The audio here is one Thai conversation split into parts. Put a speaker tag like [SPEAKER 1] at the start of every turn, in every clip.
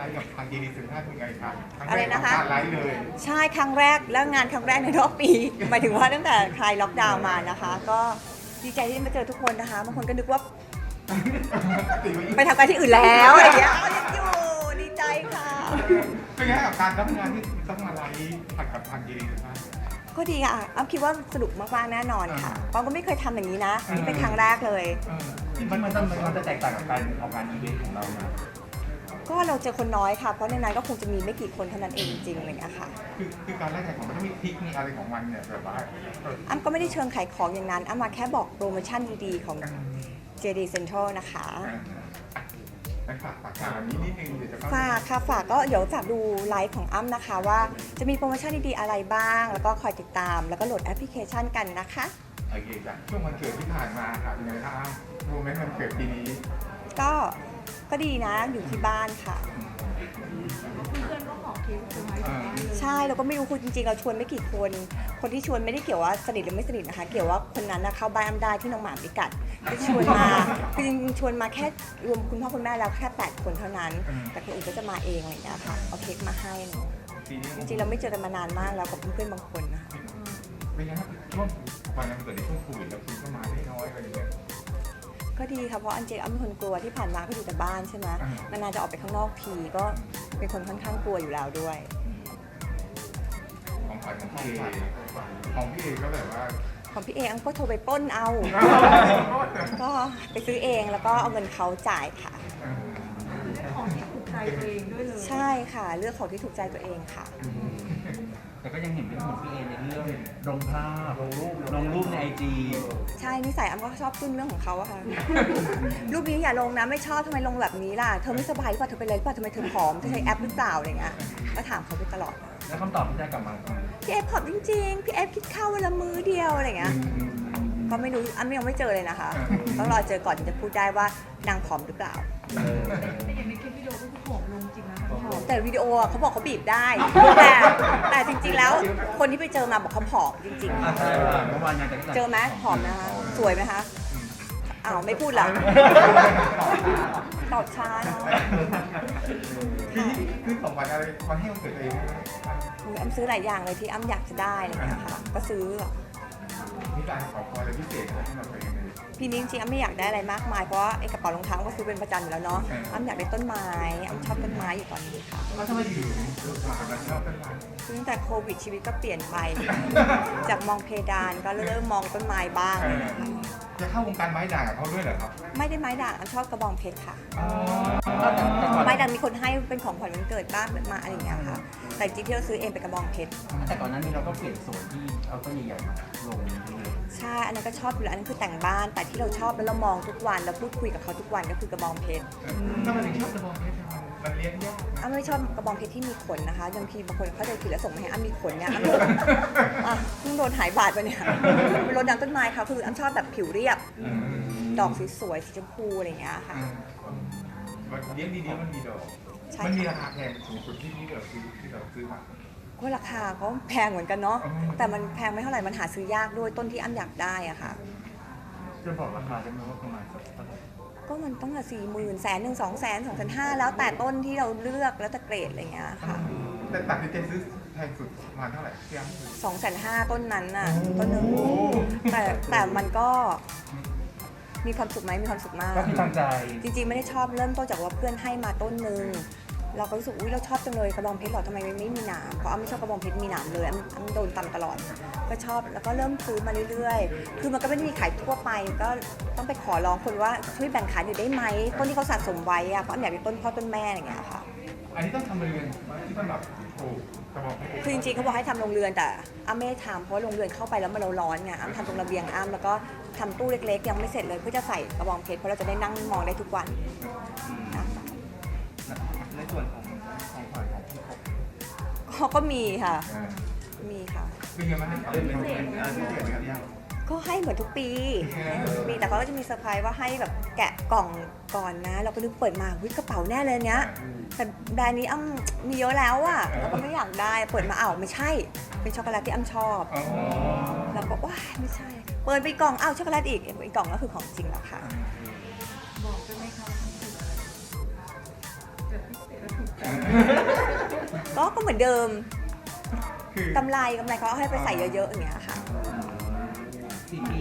[SPEAKER 1] กับทางยีดีสินค้าเป็นไงครับ
[SPEAKER 2] อะไรนะคะ
[SPEAKER 1] ไลฟ์เลย
[SPEAKER 2] ใช่ครั้งแรกแล้วงานครั้งแรกในรอบปี หมายถึงว่าตั้งแต่คลายล็อกดาวน์มานะคะ ก็ดีใจที่ได้มาเจอทุกคนนะคะบางคนก็นึกว่าไปทำการที่อื่นแล้วอะไรอย่างเงี้ยยังอยู่ดีใจค่ะ
[SPEAKER 1] เป็นไงกับการรับงานที่ต้องมาไลฟ์ผัดกับทางยีดีสินค้า
[SPEAKER 2] ก็ดีค่ะอ้ำคิดว่าสนุกมากๆแน่นอนค่ะเพราะก็ไม่เคยทำอย่างนี้นะนี่เป็นครั้งแรกเลย
[SPEAKER 3] มันจะแตกต่างกับการออกงานอีเวนต์ของเรานะ
[SPEAKER 2] ก็เราเจอคนน้อยค่ะ เพราะในนั้นก็คงจะมีไม่กี่คนเท่านั้นเองจริงๆอะไรอย่างเงี้ยค่ะ
[SPEAKER 1] คือการแลกแข่งของมันต้องมีทริคมีอะไรของมันเนี่ยแบบว่า
[SPEAKER 2] อ้ำก็ไม่ได้เชิงขายของอย่างนั้นอ้ำมาแค่บอกโปรโมชั่นดีๆของ JD Central นะคะ
[SPEAKER 1] ฝากงานนี้นิดนึงเดี๋ยวจะ
[SPEAKER 2] ฝากค่ะฝากก็เดี๋ยวฝากดูไลฟ์ของอ้ำนะคะว่าจะมีโปรโมชั่นดีๆอะไรบ้าง แล้วก็คอยติดตาม แล้วก็โหลดแอปพลิเคชันกันนะคะ
[SPEAKER 1] โอเคจ้ะช่วงวันเกิดที่ผ่านมาครับเป็นไงครับโมเมนต์วันเกิดปีนี้
[SPEAKER 2] ก็ดีนะอยู่ที่บ้านค่ะ ใช่เราก็ไม่รู้คุณจริงๆเราชวนไม่กี่คนคนที่ชวนไม่ได้เกี่ยวว่าสนิทหรือไม่สนิทนะคะเกี่ยวว่าคนนั้นนะเข้าบ้านอ้ำได้ที่น้องหมาพิกัดที่ชวนมาคือจริงๆชวนมาแค่รวมคุณพ่อคุณแม่แล้วแค่8คนเท่านั้น แต่คนอื่นก็จะมาเองอะไรอย่างเงี้ยค่ะเอาเค้กมาให้จริงๆเราไม่เจอกันมานานมากแล้วกับเพื่อนๆบางคนนะคะ
[SPEAKER 1] เป็นไงครับช่วงวันนั้นเกิดในช่วงโควิดแล้วคุณก็มาได้น้อยอะไรอย่างเงี้ย
[SPEAKER 2] ก็ดีค่ะเพราะอันเจอ้ำเป็นคนกลัวที่ผ่านมาก็อยู่แต่บ้านใช่ไหมนานๆจะออกไปข้างนอกทีก็เป็นคนค่อนข้างกลัวอยู่แล้วด้วย
[SPEAKER 1] ของขวัญของพี่เอของพี่เอก็แบบว่า
[SPEAKER 2] ของพี่เออ้ำก็โทรไปปล้นเอา ก็ไปซื้อเองแล้วก็เอาเงินเขาจ่ายค่ะ
[SPEAKER 4] ของที่ถูกใจตัวเองด้วยเลย
[SPEAKER 2] ใช่ค่ะเลือกของที่ถูกใจตัวเองค่ะ
[SPEAKER 3] แต่ก็ยังเห็นเป็นของพี่เอในเรื่องลงภาพลงรูปในไอจี
[SPEAKER 2] ใช่นิสัยอ้ำก็ชอบขึ้นเรื่องของเขาอะค่ะ รูปนี้อย่าลงนะไม่ชอบทำไมลงแบบนี้ล่ะเธอไม่สบายหรือเปล่าเธอเป็นอะไรหรือเปล่าทำไมเธอผอมเธอใช้แอปหรือเปล่าอะไรเงี้ยก็ถามเขาไปตลอด
[SPEAKER 3] แล้วคำตอบที่ได้กลับมาคือ
[SPEAKER 2] พี่เอฟผอมจริงๆพี่เอฟคิดข้าววันละมื้อเดียวอะไรเงี้ยก็ไม่รู้อ้ำยังไม่เจอเลยนะคะต้องรอเจอก่อนถึงจะพูดได้ว่านางผอมหรือเปล่า
[SPEAKER 4] แต่อย่างในคลิปวิดีโอก็คือผอมลงจริงนะ
[SPEAKER 2] แต่วิดีโออะเขาบอกเขาบีบได้ แต่จริงๆแล้วคนที่ไปเจอมาบอกเขาผอมจริง
[SPEAKER 3] ใช่เมื่อวานงานแต่ง
[SPEAKER 2] ๆ เจอไหมผอมนะคะสวยไหมคะอ้าวไม่พูดละตอบช้าเนาะ
[SPEAKER 1] คือของขวัญอะไรมาให้วันเกิดตัวเอง
[SPEAKER 2] อ้ำซื้อหลายอย่างเลยที่อ้ำอยากจะได้อะไรอย่างเงี้ยค่ะก็ซื้อ
[SPEAKER 1] มีการขอพรอะไรพิเศษอะไรที่เราไปยังไง
[SPEAKER 2] ปีนี้จริงๆอ้ำไม่อยากได้อะไรมากมายเพราะว่าไอ้กระเป๋ารองเท้าก็ซื้อเป็นประจำอยู่แล้วเนาะอ้ำอยากได้ต้นไม้อ้ำชอบต้นไม้อยู่ตอนนี้ค่ะ
[SPEAKER 1] แล้วทำไมอยู่เราชอบต้นไม้
[SPEAKER 2] คือตั้งแต่โควิดชีวิตก็เปลี่ยนไป จากมองเพดานก็เริ่มมองต้นไม้บ้าง
[SPEAKER 1] จะเข้าวงการไม้ด่างกับเขาด้วยเหรอครับ
[SPEAKER 2] ไม่ได้ไม้ด่างอ้ำชอบกระบองเพชรค่ะ
[SPEAKER 3] แต่ก่อน
[SPEAKER 2] ไม้ด่างมีคนให้เป็นของขวัญวันเกิดบ้างมาอะไรอย่างเงี้ยค่ะ แต่จริงๆที่เราซื้อเองเป็นกระบองเพชร
[SPEAKER 3] แต่ก่อนหนั้นนี้เราก็เปลี่ยนโซนที่เอาต้นใหญ่ๆมาลงเลย
[SPEAKER 2] ใช่ อันนั้นก็ชอบอยู่แล้วอันนั้นคือแต่งบ้าน แต่ที่เราชอบแล้วเรามองทุกวันแล้วพูดคุยกับเขาทุกวันก็คือกระบองเพชร
[SPEAKER 1] ถ้ามันถึงชอบกระบองเพชรมันเลี้ยงยาก
[SPEAKER 2] อ้ำไม่ชอบกระบองเพชรที่มีขนนะคะบางทีบางคนเขาใจผิดแล้วส่งมาให้อ้ำมีขนเนี่ยอ้ำอ่ะเพิ่งโดนหายบาดไปเนี่ยเป็นรถยางต้นไม้ค่ะคืออ้ำชอบแบบผิวเรียบ ดอกสวยๆสีชมพูอะไรอย่างเงี้ยค่ะ
[SPEAKER 1] มันเลี้ยงดีๆมันมีดอก
[SPEAKER 2] ใช่
[SPEAKER 1] มันมีราคาแพงสูงสุดที่เราซื้อมา
[SPEAKER 2] ก็ราคาก็แพงเหมือนกันเนาะ
[SPEAKER 1] อืม
[SPEAKER 2] แต่มันแพงไม่เท่าไหร่มันหาซื้อยากด้วยต้นที่อ้ำอยากได้อะค่ะ
[SPEAKER 3] จะบอกราคาได้ไหมว่าประมาณสักเท่าไหร่
[SPEAKER 2] ก็มันต้องละ40,000 100,000 200,000 2,500แล้วแต่ต้นที่เราเลือกแล้วแต่เกรดอะไรอย่างเงี้ยค่ะ
[SPEAKER 1] แต่ตัดสินใจซื้อแพงสุดประมาณเท่าไหร่ที่อ้ำซื้อ
[SPEAKER 2] 250,000ต้นนั้นน่ะต้นหนึ่งแต่มันก็มีความสุขไหมมีความสุขมาก
[SPEAKER 3] ก็คือตั้งใจ
[SPEAKER 2] จริงๆไม่ได้ชอบเริ่มต้นจากว่าเพื่อนให้มาต้นหนึ่งเราก็รู้สึกอุ้ยเราชอบจังเลยกระบองเพชรหรอทำไมไม่มีหนามเพราะอ้ำไม่ชอบกระบองเพชรมีหนามเลยอ้ำโดนตำตลอดก็ชอบแล้วก็เริ่มซื้อมาเรื่อยๆคือมันก็ไม่ได้มีขายทั่วไปก็ต้องไปขอร้องคนว่าช่วยแบ่งขายหน่อยได้ไหมต้นที่เขาสะสมไว้อะเพราะอ้ำอยากเป็นต้นพ่อต้นแม่อะไรอย่างเงี้ยค่ะ
[SPEAKER 1] อันนี้ต้องทำเรือนที่สำหรับปลูกกระบอกเพชร
[SPEAKER 2] คือจริงๆเขาบอกให้ทำโรงเรือนแต่อ้ำไม่ได้ทำเพราะว่าโรงเรือนเข้าไปแล้วมันเราร้อนไงอ้ำทำตรงระเบียงอ้ำแล้วก็ทำตู้เล็กๆยังไม่เสร็จเลยเพื่อจะใส่กระบองเพชรเพราะเราจะได้นั่งมองได้ทุกวันนะ
[SPEAKER 3] ในส่วนของขวัญของพี่กบ
[SPEAKER 2] ก็มีค่ะมีค่ะ
[SPEAKER 1] เป็นไงบ้างเป็นพิเศษครับยัง
[SPEAKER 2] ก็ให้เหมือนทุกปีแต่เขาก็จะมีเซอร์ไพรส์ว่าให้แบบแกะกล่องก่อนนะ เราก็นึกเปิดมาวิกระเป๋าแน่เลยเนี้ยแต่แบรนด์นี้อ้ำมีเยอะแล้วอะเราก็ไม่อยากได้เปิดมาอ้าวไม่ใช่เป็นช็อกโกแลตที่อ้ำชอบเราก็ว้าไม่ใช่ เปิดไปกล่องอ้าวช็อกโกแลตอีกกล่องก็คือของจริงแล้วค่ะ
[SPEAKER 4] บอกได้ไหมคะว่ามันคือแบบพิเศษและถูกใจ
[SPEAKER 2] ก็เหมือนเดิม
[SPEAKER 1] คือก
[SPEAKER 2] ำไรเขาเอาให้ไปใส่เยอะๆอย่างเงี้ยค่ะ
[SPEAKER 3] ซีพี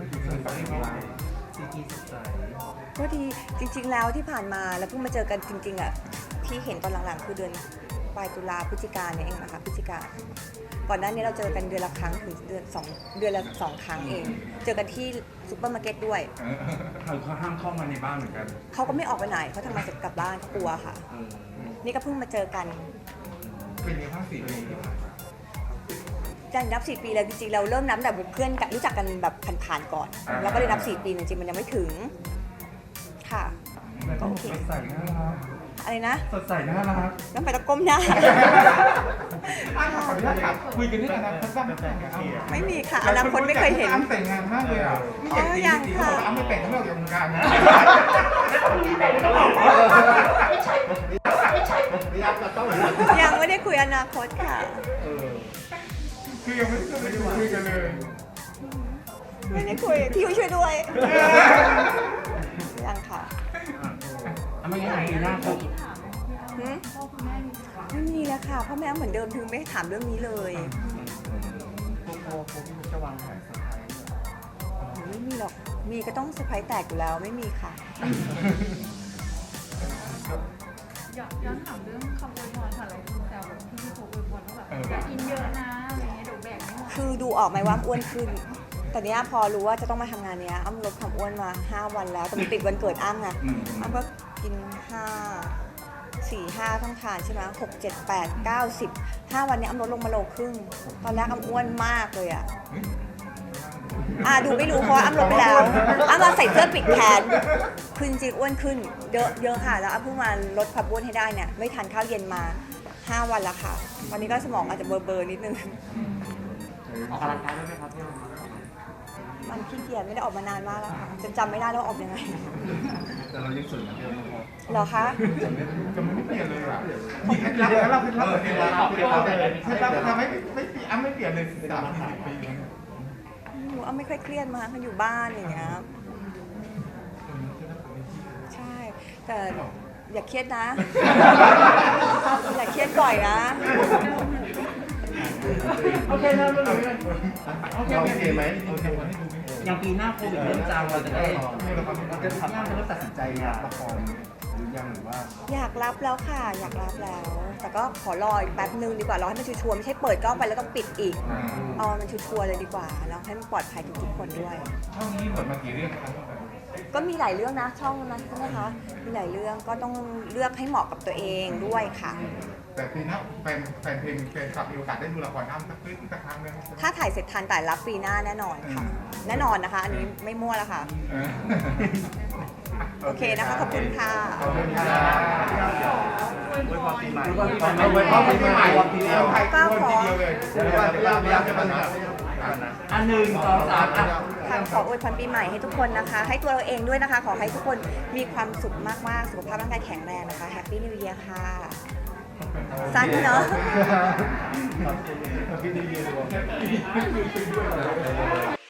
[SPEAKER 3] ซีพีสดใส
[SPEAKER 2] ก็ดีจริงๆแล้วที่ผ่านมาแล้วเพิ่งมาเจอกันจริงๆอ่ะที่เห็นตอนหลังๆคือเดือนปลายตุลาพฤศจิกาเนี่ยเองนะคะพฤศจิกาก่อนหน้านี้เราเจอกันเดือนละครั้งถึงเดือนละสองครั้งเอง เจอกันที่ซุปเปอร์มาร์เก็ตด้วย
[SPEAKER 3] เขาห้ามเข้ามาในบ้านเหมือนกัน
[SPEAKER 2] เขาก็ไม่ออกไปไหนเขาทำงานเสร็จกลับบ้านเขากลัวค่ะ นี่ก็เพิ่งมาเจอกัน
[SPEAKER 1] เป็นยังไงบ้าง4 ปีที่ผ่านมา
[SPEAKER 2] จะนับ4 ปีแล้วจริงๆเราเริ่มนับแต่เพื่อนรู้จักกันแบบผ่านๆก่อนแล้วก็เลยนับ4 ปีจริงๆมันยังไม่ถึงค่ะ
[SPEAKER 3] ก็โอเคสดใสน่ารัก
[SPEAKER 2] อะไรนะ
[SPEAKER 3] สดใสน่ารัก
[SPEAKER 2] ต้องไปตะก้มหน้า
[SPEAKER 1] ขออนุญาตถามคุยกันเรื่องอนาคตบ้างไหมครับ
[SPEAKER 2] ไม่มีค่ะอนาคตไม่เคยเห็น
[SPEAKER 1] อ้ำแต่งงานมากเลยอ่ะไม่อยากจริงๆเขาบอกว่าอ้ำไม่แต่งเขาไม่ออกจากวงการนะ
[SPEAKER 2] ยังไม่ได้คุยอนาคตค่ะ
[SPEAKER 1] คือยังไม่ได้คุยกันเลย
[SPEAKER 2] ไม่ได้คุยพี่ยุ้ยช่วยด้วยยังค่ะ
[SPEAKER 3] ไม่งั้นปีหน้าเขา
[SPEAKER 2] หืม
[SPEAKER 4] พ่อคุณแม่มีถาม
[SPEAKER 2] ไม่มีแล้วค่ะพ่อแม่เหมือนเดิมถึงไม่ถามเรื่องนี้เลย
[SPEAKER 3] จะวางแผนเซอร์ไพรส์
[SPEAKER 2] ไม่มีหรอกมีก็ต้องเซอร์ไพรส์แตกอยู่แล้วไม่มีค่ะ
[SPEAKER 4] ย้อนถามเรื่องคำอวยพรค่ะหลายคนแซวแบบที่พี่โพอวยพรว่าแบบอย่ากินเยอะนะอะไรเงี้ยเดี๋ยวแบ่งไม่หมด
[SPEAKER 2] คือดูออกไหมว่าอ้วนขึ้นแต่เนี้ยพอรู้ว่าจะต้องมาทำงานเนี้ยอ้ำลดความอ้วนมา5 วันแล้วแต่มันติดวันเกิดอ้ำไงอ้ำก็กิน4-5ต้องทานใช่ไหม6 7 8 9 10 5 วันเนี้ยอ้ำลดลงมาโลครึ่งตอนแรกอ้ำอ้วนมากเลยอ่ะดูไม่รู้เพราะว่าอ้ำลดไปแล้วอ้ำมาใส่เสื้อปิดแขนคือจริงๆอ้วนขึ้นเยอะค่ะแล้วอ้ำเพิ่งมาลดความอ้วนให้ได้เนี่ยไม่ทานข้าวเย็นมา5 วันแล้วค่ะวันนี้ก็สมองอาจจะเบลอๆนิดนึง
[SPEAKER 3] ออกกำลังกายได้ไหมครับพี่
[SPEAKER 2] มันขี้เกียจไม่ได้ออกมานานมากแล้วค่ะจำไม่ได้แล้วว่าออกยังไง
[SPEAKER 3] แต่เรายังสวยเหมือนเดิมนะครับ
[SPEAKER 2] เหรอคะ
[SPEAKER 1] จะไม่เปลี่ยนเลยอ่ะมีเคล็ดลับแล้วเราเคล็ดลับเคล็ดลับทำให้ไม่อ้ำไม่เปลี่ยนเลย30-40 ปี
[SPEAKER 2] หนูไม่ค่อยเครียดมากมันอยู่บ้านอย่างเงี้ยใช่ แต่อย่าเครียดนะ อย่าเครียดบ่อยนะ
[SPEAKER 3] โอเคนะไม่เลยโอเคไหม
[SPEAKER 1] โอเควันนี้ดูไหม
[SPEAKER 3] อย่างปีหน้าโควิดเริ่มจางเราจะได้
[SPEAKER 1] จะทำ
[SPEAKER 3] ย่างจะเริ่มตัดสินใจรับละครหรือยังหรือว่า
[SPEAKER 2] อยากรับแล้วค่ะ อยากรับแล้ว แต่ก็ขอรออีกแป๊บนึงดีกว่ารอให้มันชัวร์ๆไม่ใช่เปิดกล้องไปแล้วต้องปิดอีก เอามันชัวร์ๆเลยดีกว่าแล้วให้มันปลอดภัยทุกๆคนด้วย
[SPEAKER 1] ช่องนี้เปิดมากี่เรื่องครับ
[SPEAKER 2] ก็มีหลายเรื่องนะช่องนั้นใช่ไหมคะ มีหลายเรื่องก็ต้องเลือกให้เหมาะกับตัวเองด้วยค่ะ
[SPEAKER 1] แต่ปีหน้าแฟนเพลงแฟนคลับมีโอกาสได้ดูละครอ้ำสักครั้งนึง
[SPEAKER 2] ถ้าถ่ายเสร็จทันแต่รับปีหน้าแน่นอนค่ะ แน่นอนนะคะ อันนี้ไม่มั่วแล้วค่ะ โอเคนะคะ ขอบคุณค่ะ
[SPEAKER 1] ขอบคุณค่ะ
[SPEAKER 4] อวยพร
[SPEAKER 3] ปีใหม่
[SPEAKER 1] ไว้พ่อปีใหม่ทีเดียวไทย
[SPEAKER 2] ก็ขอ
[SPEAKER 1] ทีเดียวเลยเดี๋ยวพยายามจะมา
[SPEAKER 3] อัน1 2 3อ่ะ
[SPEAKER 2] ค่ะขออวยพรปีใหม่ให้ทุกคนนะคะ ให้ตัวเราเองด้วยนะคะ ขอให้ทุกคนมีความสุขมากๆ สุขภาพร่างกายแข็งแรงนะคะ Happy New Year ค่ะ สั้นเนาะ
[SPEAKER 1] Happy New Year